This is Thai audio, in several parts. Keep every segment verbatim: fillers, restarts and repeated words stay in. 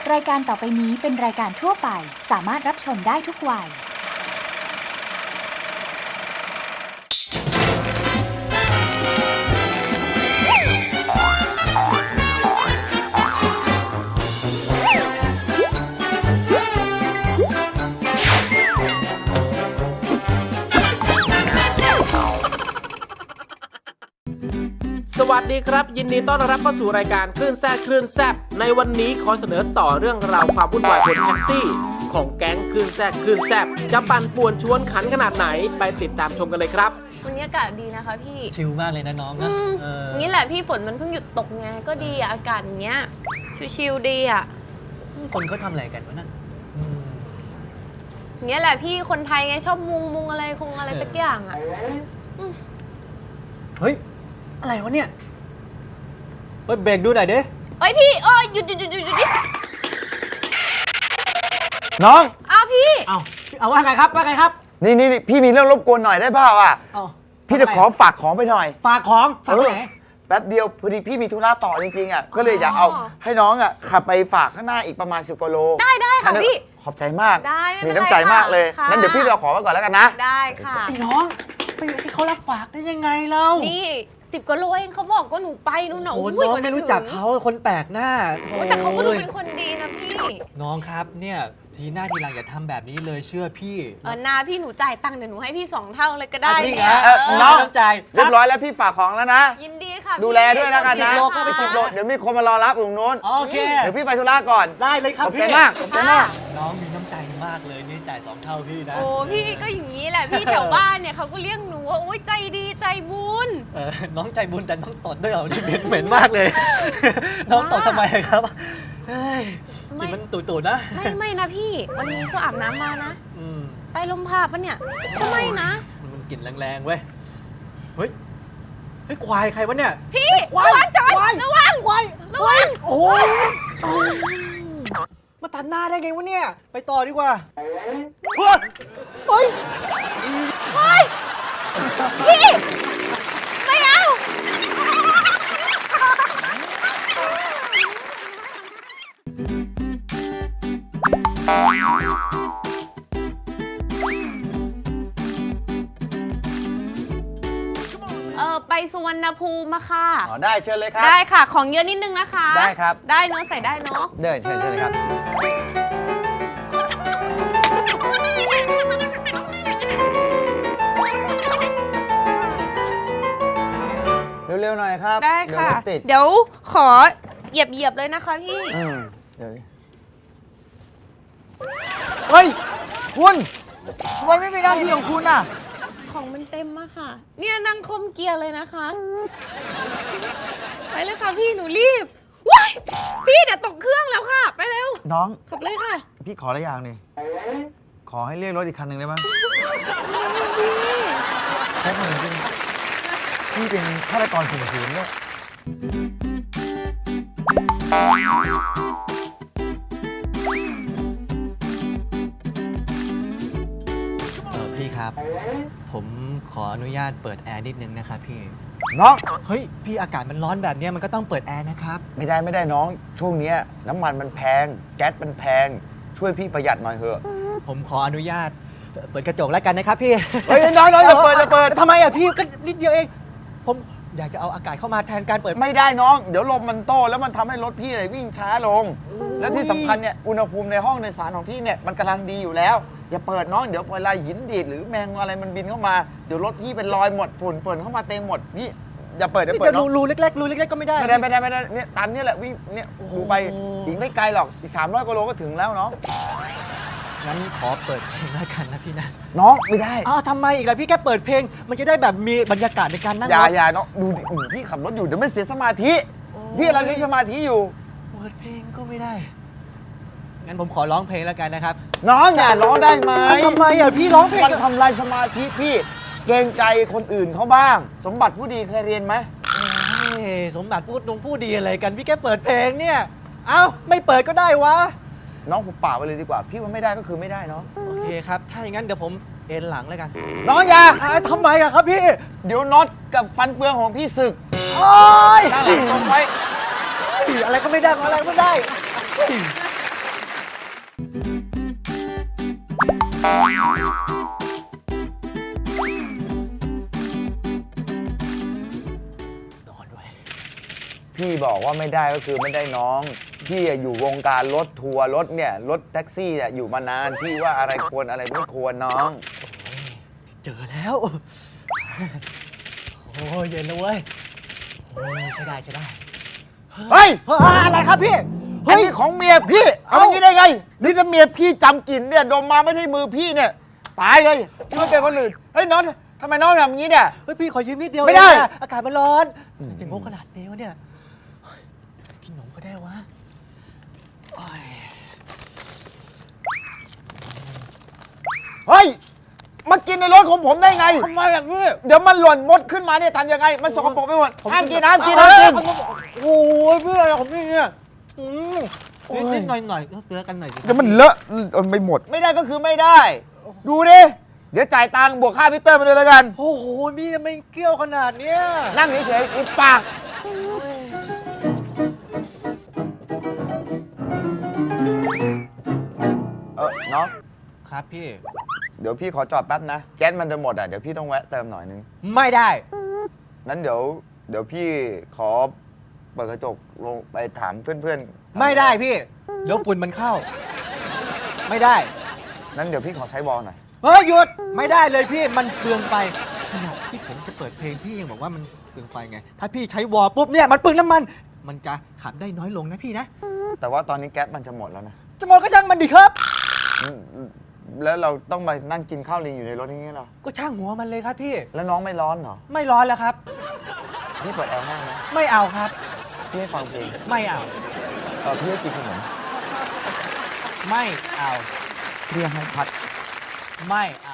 รายการต่อไปนี้เป็นรายการทั่วไปสามารถรับชมได้ทุกวัยสวัสดีครับยินดีต้อนรับเข้าสู่รายการคลื่นแซ่บคลื่นแซ่บในวันนี้ขอเสนอต่อเรื่องราวความวุ่นวายบนแท็กซี่ของแก๊งคลื่นแซ่บคลื่นแซ่บจะปั่นป่วนชวนขันขนาดไหนไปติดตามชมกันเลยครับวันนี้อากาศดีนะคะพี่ชิลมากเลยนะน้องนะเออนี่แหละพี่ฝนมันเพิ่งหยุดตกไงก็ดีอะอากาศอย่างเงี้ยชิลๆดีอะคนเขาทำอะไรกันวะนั่นเงี้ยแหละพี่คนไทยไงชอบมุงมุงอะไรคงอะไรสักอย่างอะเฮ้ยอะไรวะเนี่ยเฮ้ยเบรกดูหน่อยดิเฮ้ยพี่เอ้ยหยุดหยุดหยุดหยุดหยุดดิน้องอ้าวพี่เอาเอาว่าไงครับว่าไงครับนี่นี่พี่มีเรื่องรบกวนหน่อยได้เปล่าอ่ะพี่จะขอฝากของไปหน่อยฝากของฝากไหนแป๊บเดียวพอดีพี่มีธุระต่อจริงๆอ่ะก็เลยอยากเอาให้น้องอ่ะขับไปฝากข้างหน้าอีกประมาณสิบกว่าโลได้ได้ค่ะพี่ขอบใจมากได้มีน้ำใจมากเลยงั้นเดี๋ยวพี่เอาของมาก่อนแล้วกันนะได้ค่ะไอ้น้องไปให้เขารับฝากได้ยังไงเล่านี่สิบกว่าโลเองเขาบอกก็หนูไปนู่นน่ะโอ้น้องไม่รู้จักเขาคนแปลกหน้าแต่เขาก็ดูเป็นคนดีนะพี่น้องครับเนี่ยทีหน้าทีหลังอย่าทำแบบนี้เลยเชื่อพี่เออนาพี่หนูจ่ายตังค์เดี๋ยวหนูให้พี่สองเท่าเลยก็ได้จริงเนี่ยน้องใจเรียบร้อยแล้วพี่ฝากของแล้วนะยินดีค่ะดูแลด้วยแล้วกันนะสิบโลก็ไปสิบโลเดี๋ยวมีคนมารอรับตรงโน้นโอเคเดี๋ยวพี่ไปธุระก่อนได้เลยครับพี่ขอบใจมากขอบใจมากน้องมีน้ำใจมากเลยนี่จ่ายสองเท่าพี่นะโอ้พี่ก็อย่างนี้แหละพี่แถวบ้านเนี่ยเขาก็เรียกหนูว่าโอ้ยใจดีใจบุญเออน้องใจบุญแต่น้องตดด้วยเหรอนี่เหม็นเหม็นมากเลยน้องตดทำไมครับเฮ้ยกินมันตุ่ๆนะไม่ไม่นะพี่วันนี้ก็อาบน้ำมานะใต้ลมพัดปะเนี่ยก็ไม่นะมันกลิ่นแรงๆเว้ยเฮ้ยเฮ้ยควายใครวะเนี่ยพี่ระวังจอยระวังควายระวังโอ้ยมาตัดหน้าได้ไงวะเนี่ยไปต่อดีกว่าเฮ้ยเฮ้ยเฮ้ยพี่ไม่เอาเออไปสุวรรณภูมิมาค่ะอ๋อได้เชิญเลยครับได้ค่ะของเยอะนิดนึงนะคะได้ครับได้เนาะใส่ได้เนาะเดินเชิญเชิญเลยครับเร็วๆหน่อยครับได้ค่ะเดี๋ยวขอเหยียบเหยียบเลยนะคะพี่อืมเดี๋ยวเฮ้ยคุณทำไมไม่มีหน้าที่ของคุณน่ะของมันเต็มมากค่ะเนี่ยนั่งคมเกียร์เลยนะคะไปเลยค่ะพี่หนูรีบว้ายพี่เดี๋ยวตกเครื่องแล้วค่ะไปเร็วน้องขับเลยค่ะพี่ขออะไรอย่างนี่ขอให้เรียกรถอีกคันหนึ่งได้ไหมแค่คนหนึ่งพี่เป็นฆาตกรข่มขืนเนี่ยพี่ครับผมขออนุญาตเปิดแอร์นิดนึงนะครับพี่น้องเฮ้ยพี่อากาศมันร้อนแบบนี้มันก็ต้องเปิดแอร์นะครับไม่ได้ไม่ได้น้องช่วงนี้น้ำมันมันแพงแก๊สมันแพงช่วยพี่ประหยัดหน่อยเถอะผมขออนุญาตเปิดกระจกแล้วกันนะครับพี่เฮ้ยน้องน้องอย่าเปิดอย่าเปิดทำไมอ่ะพี่ก็นิดเดียวเองผมอยากจะเอาอากาศเข้ามาแทนการเปิดไม่ได้น้องเดี๋ยวลมมันโตแล้วมันทำให้รถพี่เลยวิ่งช้าลงและที่สำคัญเนี่ยอุณหภูมิในห้องในสารของพี่เนี่ยมันกำลังดีอยู่แล้วอย่าเปิดน้องเดี๋ยวเวลาหินดีดหรือแมงอะไรมันบินเข้ามาเดี๋ยวรถพี่เป็นรอยหมดฝุ่นฝุ่นเข้ามาเต็มหมดพี่อย่าเปิดอย่าเปิดรูรูเล็กๆรูเล็กๆก็ไม่ได้ไม่ได้ไม่ได้ไม่ได้เนี่ยตามนี้แหละวิ่งเนี่ยดูไปอีกไม่ไกลหรอกอีกสามร้อยกิโลก็ถึงแล้วน้องงั้นขอเปิดเพลงแล้วกันนะพี่นะน้องไม่ได้อ้าวทำไมอีกล่ะพี่แค่เปิดเพลงมันจะได้แบบมีบรรยากาศในการนั่งรถอย่าอย่าน้องดูดิพี่ขับรถอยู่เดี๋ยวไม่เสียสมาธิพี่กำลังเล่นสมาธิอยู่เปิดเพลงก็ไม่ได้งั้นผมขอร้องเพลงแล้วกันนะครับน้องอย่าร้องได้ไหมทำไมอ่ะพี่ร้องเพลงมันทำลายสมาธิพี่เกรงใจคนอื่นเขาบ้างสมบัติผู้ดีเคยเรียนไหมสมบัติพูดตรงพูดดีอะไรกันพี่แค่เปิดเพลงเนี่ยเอ้าไม่เปิดก็ได้วะน้องผมป่าไปเลยดีกว่าพี่ว่าไม่ได้ก็คือไม่ได้เนาะโอเคครับถ้าอย่างนั้นเดี๋ยวผมเอ็นหลังแล้วกันน้องอย่าทำไมอะครับพี่เดี๋ยวน็อตกับฟันเฟืองของพี่ศึกโอ๊ยตั้งหลังตรงไว้อะไรก็ไม่ได้อะไรก็ไม่ได้นอนด้วยพี่บอกว่าไม่ได้ก็คือไม่ได้น้อง พี่อะอยู่วงการรถทัวร์รถเนี่ยรถแท็กซี่เนี่ยอยู่มานาน พี่ว่าอะไรควรอะไรไม่ควรน้องเจอแล้ว โอ้ยเย็นแล้วเว้ย โอ้ยใช่ได้ใช่ได้เฮ้ยเฮ้ยอะไรครับพี่อันนี้ของเมียพี่ เอาอย่างนี้ได้ไง นี่ถ้าเมียพี่จำกลิ่นเนี่ยดมมาไม่ใช่มือพี่เนี่ย ตายเลยไม่เป็นคนอื่น เฮ้ยน้องทำไมน้องทำอย่างนี้เนี่ยเฮ้ยพี่ขอยืมนิดเดียวไม่ได้เองอะอากาศมันร้อนจะงกขนาดนี้วะเนี่ยเฮ้ยกินหนมก็ได้วะโอ้ยเฮ้ย มากินในรถของผมได้ไงทำไมอย่างนี้เดี๋ยวมันหล่นมดขึ้นมาเนี่ยทำยังไง มันสกปรกไปหมดห้ามกินห้ามกินห้ามกินโอ้ยพี่อะไรของพี่เนี่ยอืมนิดนิดหน่อยหน่อยเออเตือกันหน่อยสิเดี๋ยวมันเลอะไม่หมด ไม่ได้ก็คือไม่ได้ ดูดิ เดี๋ยวจ่ายตังค์บวกค่าพิเตอร์มาเลยแล้วกันโอ้โหพี่ทำไมเกี้ยวขนาดเนี้ยนั่งเฉยๆอุดปาก เออน้องครับพี่เดี๋ยวพี่ขอจอดแป๊บนะ แก๊สมันจะหมดอ่ะ เดี๋ยวพี่ต้องแวะเติมหน่อยนึงไม่ได้นั้นเดี๋ยว เดี๋ยวพี่ขอเปิดกระจกลงไปถามเพื่อนๆไม่ได้พี่ เดี๋ยวฝุ่นมันเข้า ไม่ได้นั้นเดี๋ยวพี่ขอใช้วอลหน่อยเฮ้ยหยุดไม่ได้เลยพี่มันเปลืองไฟขนาดที่ผมจะเปิดเพลงพี่ยังบอกว่ามันเปลืองไฟไง ถ้าพี่ใช้วอลปุ๊บเนี่ยมันเปลืองน้ำมัน มันจะขับได้น้อยลงนะพี่นะแต่ว่าตอนนี้แก๊สมันจะหมดแล้วนะจะหมดก็ช่างมันดิครับอืมแล้วเราต้องมานั่งกินข้าวลิงอยู่ในรถอย่างนี้เหรอก็ช่างหัวมันเลยครับพี่แล้วน้องไม่ร้อนเหรอไม่ร้อนแล้วครับพี่เปิดแอร์ให้นะไม่เอาครับพี่ให้ฟังเพลงไม่เอาเออพี่ให้กินขนมไม่เอาพี่ให้พัดไม่เอา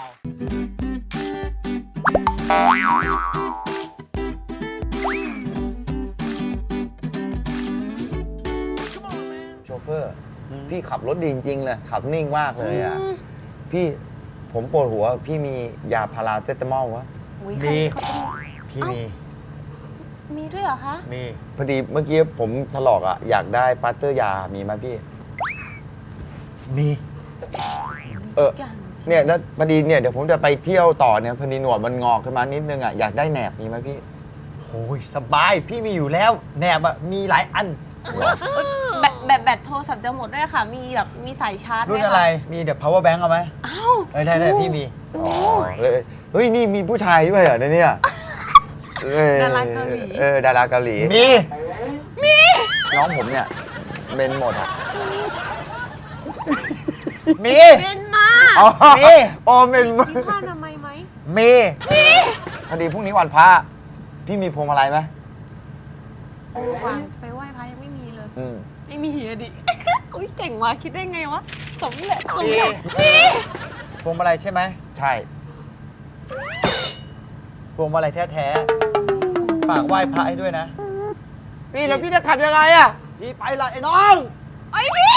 โชเฟอร์ พี่ขับรถดีจริงๆเลย ขับนิ่งมากเลยอ่ะ พี่ผมปวดหัว พี่มียาพาราเซตามอลวะอุ๊ยดีใครเขาจะมีพี่มีมีด้วยเหรอคะมีพอดีเมื่อกี้ผมถลอกอ่ะ อยากได้ปัตเตอร์ยา มีไหมพี่มีเอออย่างจริงเนี่ยแล้วพอดีเนี่ยเดี๋ยวผมจะไปเที่ยวต่อเนี่ยพอดีหนวดมันงอกขึ้นมานิดนึงอ่ะ อยากได้แหนบมีไหมพี่โอ้ยสบาย พี่มีอยู่แล้ว แหนบอะมีหลายอันแบตแบตแบตโทรศัพท์จะหมดด้วยค่ะ มีแบบมีสายชาร์จไหมรุ่นคอะไร มีเดี๋ยว power bank เอาไหมอ้าวเออได้ได้พี่มีอ๋อเลยเฮ้ย นี่มีผู้ชายด้วยเหรอในเนี่ยเออดาราเกาหลีเออ ดาราเกาหลีมีน้องผมเนี่ยเมนหมดอ่ะมีเป็นมาอ๋อมีโอ้เมนมีผ้าอนามัยไหมมีพอดีพรุ่งนี้วันพระพี่มีพวงมาลัยไหมโอ้วางจะไปไหว้พระยังไม่มีเลยอืมไม่มีอะดิ อุ้ยเจ๋งว่ะคิดได้ไงวะ สมเร็จสมมีเร็จมีพวงมาลัยใช่ไหมใช่พวงมาลัยแท้ๆ ฝากไหว้พระให้ด้วยนะพี่แล้วพี่จะขับยังไงอ่ะพี่ไปละไอ้น้องไอ้ยพี่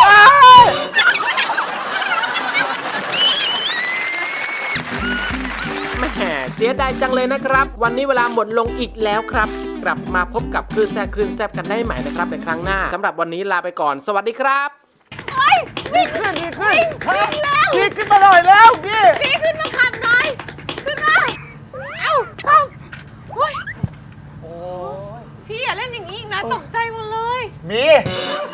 แหม่เสียดายจังเลยนะครับ วันนี้เวลาหมดลงอีกแล้วครับ กลับมาพบกับคลื่นแซ่บคลื่นแซ่บกันได้ใหม่นะครับในครั้งหน้าสำหรับวันนี้ลาไปก่อน สวัสดีครับดีขึ้นดีขึ้นดีขึ้นมาหน่อยแล้วพี่พี่ขึ้นมาขับหน่อย ขึ้นมา เอ้าขับเฮ้ยโอ้ยพี่อย่าเล่นอย่างนี้อีกนะ ตกใจหมดเลยมีม